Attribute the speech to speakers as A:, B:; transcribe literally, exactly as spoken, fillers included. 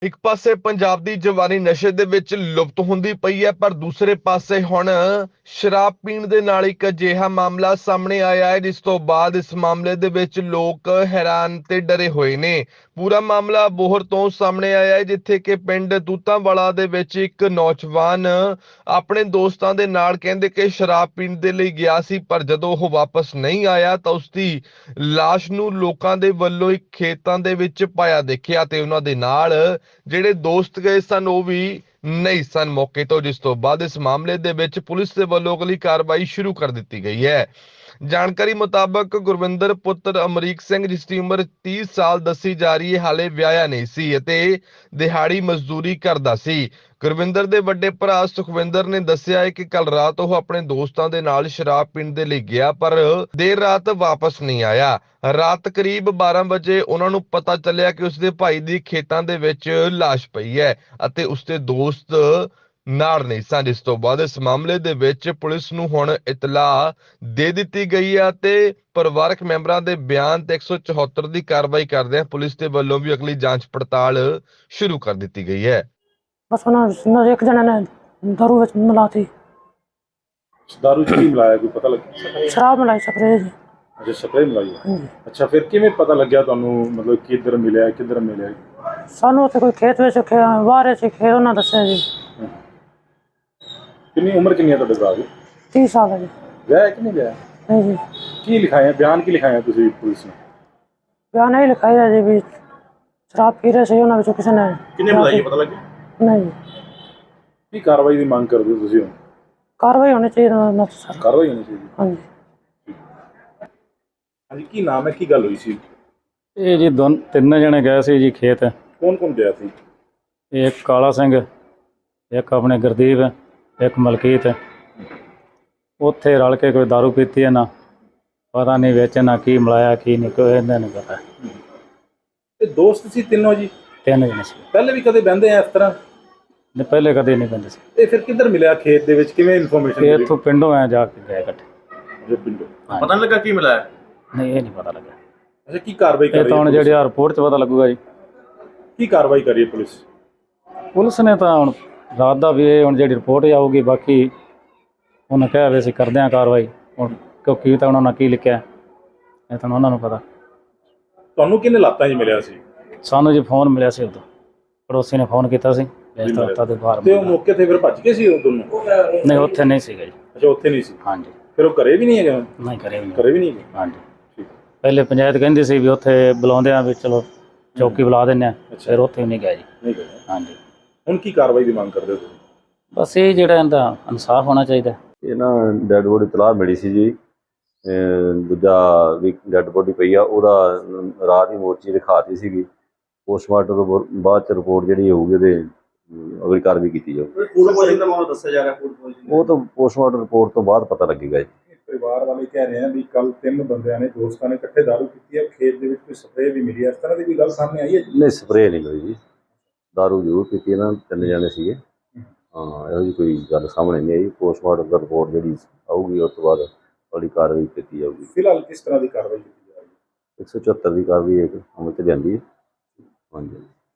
A: ਇੱਕ ਪਾਸੇ ਪੰਜਾਬ ਦੀ ਜਵਾਨੀ ਨਸ਼ੇ ਦੇ ਵਿੱਚ ਲੁਪਤ ਹੁੰਦੀ ਪਈ ਹੈ, ਪਰ ਦੂਸਰੇ ਪਾਸੇ ਹੁਣ ਸ਼ਰਾਬ ਪੀਣ ਦੇ ਨਾਲ ਇੱਕ ਅਜਿਹਾ ਮਾਮਲਾ ਸਾਹਮਣੇ ਆਇਆ ਹੈ ਜਿਸ ਤੋਂ ਬਾਅਦ ਇਸ ਮਾਮਲੇ ਦੇ ਵਿੱਚ ਲੋਕ ਹੈਰਾਨ ਤੇ ਡਰੇ ਹੋਏ ਨੇ। ਪੂਰਾ ਮਾਮਲਾ ਬੋਹਰ ਤੋਂ ਸਾਹਮਣੇ ਆਇਆ ਹੈ, ਜਿੱਥੇ ਕਿ ਪਿੰਡ ਤੂਤਾਂਵਾਲਾ ਦੇ ਵਿੱਚ ਇੱਕ ਨੌਜਵਾਨ ਆਪਣੇ ਦੋਸਤਾਂ ਦੇ ਨਾਲ ਕਹਿੰਦੇ ਕਿ ਸ਼ਰਾਬ ਪੀਣ ਦੇ ਲਈ ਗਿਆ ਸੀ, ਪਰ ਜਦੋਂ ਉਹ ਵਾਪਸ ਨਹੀਂ ਆਇਆ ਤਾਂ ਉਸਦੀ ਲਾਸ਼ ਨੂੰ ਲੋਕਾਂ ਦੇ ਵੱਲੋਂ ਇੱਕ ਖੇਤਾਂ ਦੇ ਵਿੱਚ ਪਾਇਆ ਦੇਖਿਆ ਤੇ ਉਹਨਾਂ ਦੇ ਨਾਲ ਜਿਹੜੇ ਦੋਸਤ ਗਏ ਸਨ ਉਹ ਵੀ ਨਹੀਂ ਸਨ ਮੌਕੇ ਤੋਂ, ਜਿਸ ਤੋਂ ਬਾਅਦ ਇਸ ਮਾਮਲੇ ਦੇ ਵਿੱਚ ਪੁਲਿਸ ਦੇ ਵੱਲੋਂ ਅਗਲੀ ਕਾਰਵਾਈ ਸ਼ੁਰੂ ਕਰ ਦਿੱਤੀ ਗਈ ਹੈ। ਜਾਣਕਾਰੀ ਮੁਤਾਬਕ ਗੁਰਵਿੰਦਰ ਪੁੱਤਰ ਅਮਰੀਕ ਸਿੰਘ, ਜਿਸ ਦੀ ਉਮਰ ਤੀਹ ਸਾਲ ਦੱਸੀ ਜਾ ਰਹੀ ਹੈ, ਹਾਲੇ ਵਿਆਹਿਆ ਨਹੀਂ ਸੀ ਅਤੇ ਦਿਹਾੜੀ ਮਜ਼ਦੂਰੀ ਕਰਦਾ ਸੀ। ਗੁਰਵਿੰਦਰ ਦੇ ਵੱਡੇ ਭਰਾ ਸੁਖਵਿੰਦਰ ਨੇ ਦੱਸਿਆ ਹੈ ਕਿ ਕੱਲ ਰਾਤ ਉਹ ਆਪਣੇ ਦੋਸਤਾਂ ਦੇ ਨਾਲ ਸ਼ਰਾਬ ਪੀਣ ਦੇ ਲਈ ਗਿਆ, ਪਰ ਦੇਰ ਰਾਤ ਵਾਪਸ ਨਹੀਂ ਆਇਆ। ਰਾਤ ਕਰੀਬ ਬਾਰਾਂ ਵਜੇ ਉਹਨਾਂ ਨੂੰ ਪਤਾ ਚੱਲਿਆ ਕਿ ਉਸਦੇ ਭਾਈ ਦੀ ਖੇਤਾਂ ਦੇ ਵਿੱਚ ਲਾਸ਼ ਪਈ ਹੈ ਅਤੇ ਉਸਦੇ ਦੋਸਤ ਨਾਲ ਨਹੀਂ ਸਨ, ਜਿਸ ਤੋਂ ਬਾਅਦ ਇਸ ਮਾਮਲੇ ਦੇ ਵਿੱਚ ਪੁਲਿਸ ਨੂੰ ਹੁਣ ਇਤਲਾਹ ਦੇ ਦਿੱਤੀ ਗਈ ਹੈ ਤੇ ਪਰਿਵਾਰਕ ਮੈਂਬਰਾਂ ਦੇ ਬਿਆਨ ਤੇ ਇੱਕ ਸੌ ਚੁਹੱਤਰ ਦੀ ਕਾਰਵਾਈ ਕਰਦਿਆਂ ਪੁਲਿਸ ਦੇ ਵੱਲੋਂ ਵੀ ਅਗਲੀ ਜਾਂਚ ਪੜਤਾਲ ਸ਼ੁਰੂ ਕਰ ਦਿੱਤੀ ਗਈ ਹੈ।
B: बस उन्होंने एक जने ने दारू विच मिलाती,
C: दारू च की मिलाया कोई पता लग
B: शराब मिलाई स्प्रे जी।
C: अच्छा स्प्रे मिलाई है।
B: हाँ जी।
C: अच्छा फिर किवें पता लग्या तुहानू मतलब किधर मिलिया किधर मिलिया?
B: सानू उत्थे कोई खेत विच बाहर च खेत उन्होंने दस्सिया जी।
C: कितनी उम्र कितनी है तुहाडे भरा दी?
B: तीस साल है जी।
C: विआह है कि नहीं विआह?
B: नहीं जी,
C: की लिखाया बयान की लिखाया तुसीं पुलिस ने?
B: बयान यही लिखाई है जी भी शराब पी रहे से उन्होंने विचों किसी ने
C: किन्ने मिलाई है पता लग्या?
B: नहीं जी।
C: की कार्रवाई की मांग करदे हो तुसीं हुण?
B: कार्रवाई होनी चाहिए ना सर।
C: कार्रवाई होनी चाहिए।
B: हाँ जी।
C: हाँ जी की नाम है की गल हुई सी?
D: ਇਹ ਜੀ ਦੋਨ ਤਿੰਨ ਜਣੇ ਗਏ ਸੀ ਜੀ ਖੇਤ।
C: कौन कौन गया सी?
D: ਇੱਕ ਕਾਲਾ ਸਿੰਘ, ਇੱਕ ਆਪਣੇ ਗੁਰਦੀਪ, ਇੱਕ ਮਲਕੀਤ। ਉੱਥੇ ਰਲ ਕੇ ਕੋਈ ਦਾਰੂ ਪੀਤੀ ਹੈ ਨਾ, ਪਤਾ ਨਹੀਂ ਵਿੱਚ ਨਾ ਕੀ ਮਿਲਾਇਆ ਕੀ ਨਹੀਂ, ਕੋਈ ਇਹਦਾ ਨਹੀਂ ਪਤਾ।
C: ਇਹ ਦੋਸਤ ਸੀ ਤਿੰਨੋਂ ਜੀ?
D: ਤਿੰਨ ਜਣੇ ਸੀ।
C: ਪਹਿਲੇ ਵੀ ਕਦੇ ਬਹਿੰਦੇ ਆ ਇਸ ਤਰ੍ਹਾਂ?
D: ਨਹੀਂ ਪਹਿਲੇ ਕਦੇ ਨਹੀਂ ਪੈਂਦੇ ਸੀ।
C: ਇਹ ਫਿਰ ਕਿੱਧਰ ਮਿਲਿਆ ਖੇਤ ਦੇ ਵਿੱਚ, ਕਿਵੇਂ ਇਨਫੋਰਮੇਸ਼ਨ
D: ਇਹ
C: ਮਿਲੀ?
D: ਇੱਥੋਂ ਪਿੰਡੋਂ ਆ ਜਾ ਕੇ ਗਏ ਇਕੱਠੇ।
C: ਜੋ ਪਿੰਡੋਂ
D: ਹਾਂਜੀ।
C: ਪਤਾ ਨਹੀਂ ਲੱਗਾ ਕੀ ਮਿਲਾਇਆ?
D: ਨਹੀਂ ਇਹ ਨਹੀਂ ਪਤਾ ਲੱਗਾ।
C: ਅੱਛਾ ਕੀ ਕਾਰਵਾਈ ਕਰ
D: ਇਹ
C: ਰਹੀ
D: ਤਾਂ
C: ਹੈ
D: ਹੁਣ
C: ਪੁਲਿਸ?
D: ਜਿਹੜੀ ਆ ਰਿਪੋਰਟ 'ਚ ਪਤਾ ਲੱਗੂਗਾ ਜੀ।
C: ਕੀ ਕਾਰਵਾਈ ਕਰ ਰਹੀ ਹੈ ਪੁਲਿਸ?
D: ਪੁਲਿਸ ਨੇ ਤਾਂ ਹੁਣ ਰਾਤ ਦਾ ਵੀ ਇਹ ਹੁਣ ਜਿਹੜੀ ਰਿਪੋਰਟ ਆਊਗੀ, ਬਾਕੀ ਉਹਨੇ ਕਿਹਾ ਵੀ ਅਸੀਂ ਕਰਦੇ ਹਾਂ ਕਾਰਵਾਈ। ਹੁਣ ਕਿਉਂਕਿ ਤਾਂ ਉਹਨਾਂ ਨੇ ਕੀ ਲਿਖਿਆ ਇਹ ਤਾਂ ਉਹਨਾਂ ਨੂੰ ਪਤਾ।
C: ਤੁਹਾਨੂੰ ਕਿੰਨੇ ਲਾਤਾਂ 'ਚ ਮਿਲਿਆ ਸੀ?
D: ਸਾਨੂੰ ਜੀ ਫੋਨ ਮਿਲਿਆ ਸੀ, ਉਦੋਂ ਪੜੋਸੀ ਨੇ ਫੋਨ ਕੀਤਾ ਸੀ ਇਸ ਤਰ੍ਹਾਂ ਤਾਂ ਦੇ ਬਾਹਰ।
C: ਤੇ ਉਹ ਮੌਕੇ ਤੇ ਫਿਰ ਭੱਜ ਗਏ ਸੀ ਉਹ ਦੋਨੋਂ?
D: ਨਹੀਂ ਉੱਥੇ ਨਹੀਂ ਸੀਗਾ ਜੀ।
C: ਅੱਛਾ ਉੱਥੇ ਨਹੀਂ ਸੀ।
D: ਹਾਂਜੀ।
C: ਫਿਰ ਉਹ ਘਰੇ ਵੀ ਨਹੀਂ ਹੈਗਾ?
D: ਨਹੀਂ ਕਰੇ ਵੀ ਨਹੀਂ।
C: ਘਰੇ ਵੀ ਨਹੀਂ ਹੈਗਾ।
D: ਹਾਂਜੀ।
C: ਠੀਕ।
D: ਪਹਿਲੇ ਪੰਚਾਇਤ ਕਹਿੰਦੀ ਸੀ ਵੀ ਉੱਥੇ ਬੁਲਾਉਂਦੇ ਆ ਵੀ ਚਲੋ ਚੌਕੀ ਬੁਲਾ ਦਿੰਦੇ ਆ, ਫਿਰ ਉੱਥੇ ਵੀ ਨਹੀਂ ਗਿਆ ਜੀ।
C: ਨਹੀਂ ਗਿਆ।
D: ਹਾਂਜੀ।
C: ਹੁਣ ਕੀ ਕਾਰਵਾਈ ਦੀ ਮੰਗ ਕਰਦੇ ਹੋ ਤੁਸੀਂ?
D: ਬਸ ਇਹ ਜਿਹੜਾ ਇਹਦਾ ਇਨਸਾਫ ਹੋਣਾ ਚਾਹੀਦਾ।
E: ਇਹ ਨਾ ਡੈਡ ਬੋਡੀ ਤਲਾਹ ਮਿਲੀ ਸੀ ਜੀ, ਦੂਜਾ ਵੀ ਡੈਡ ਬੋਡੀ ਪਈ ਆ, ਉਹਦਾ ਰਾਤ ਹੀ ਮੋਰਚੀ ਦਿਖਾਤੀ ਸੀਗੀ। ਪੋਸਟਮਾਰਟਮ ਬਾਅਦ ਚ ਰਿਪੋਰਟ ਜਿਹੜੀ ਹੋਊਗੀ ਉਹਦੇ ਅਗਲੀ ਕਾਰਵਾਈ ਕੀਤੀ ਜਾਊਗੀ।
C: ਫੂਡ ਪੋਇਜ਼ਨਿੰਗ ਦਾ ਮਾਮਲਾ ਦੱਸਿਆ ਜਾ ਰਿਹਾ। ਫੂਡ ਪੋਇਜ਼ਨਿੰਗ
E: ਉਹ ਤਾਂ ਪੋਸਟਮਾਰਟਮ ਰਿਪੋਰਟ ਤੋਂ ਬਾਅਦ ਪਤਾ ਲੱਗੇਗਾ ਜੀ।
C: ਪਰਿਵਾਰ ਵਾਲੇ ਕਹਿ ਰਹੇ ਆ ਵੀ ਕੱਲ ਤਿੰਨ ਬੰਦਿਆਂ ਨੇ ਦੋਸਤਾਂ ਨੇ ਇਕੱਠੇ ਦਾਰੂ ਪੀਤੀ ਹੈ, ਖੇਤ ਦੇ ਵਿੱਚ ਕੋਈ ਸਪਰੇਅ ਵੀ ਮਿਲੀ ਹੈ, ਇਸ ਤਰ੍ਹਾਂ ਦੀ ਵੀ ਗੱਲ ਸਾਹਮਣੇ ਆਈ ਹੈ?
E: ਨਹੀਂ ਸਪਰੇਅ ਨਹੀਂ ਹੋਈ ਜੀ, ਦਾਰੂ ਜ਼ਰੂਰ ਪੀਤੀ ਇਹਨਾਂ ਤਿੰਨ ਜਣੇ ਸੀਗੇ। ਹਾਂ ਇਹੋ ਜਿਹੀ ਕੋਈ ਗੱਲ ਸਾਹਮਣੇ ਨਹੀਂ ਆਈ। ਪੋਸਟਮਾਰਟਮ ਦਾ ਰਿਪੋਰਟ ਜਿਹੜੀ ਆਊਗੀ ਉਸ ਤੋਂ ਬਾਅਦ ਅਗਲੀ ਕਾਰਵਾਈ ਕੀਤੀ ਜਾਊਗੀ।
C: ਫਿਲਹਾਲ ਕਿਸ ਤਰ੍ਹਾਂ ਦੀ ਕਾਰਵਾਈ ਕੀਤੀ ਜਾ ਰਹੀ ਹੈ?
E: ਇੱਕ ਸੌ ਚੁਹੱਤਰ ਦੀ ਕਾਰਵਾਈ ਇੱਕ ਅਮਲ 'ਚ ਲਿਆਂਦੀ ਹੈ। ਹਾਂਜੀ।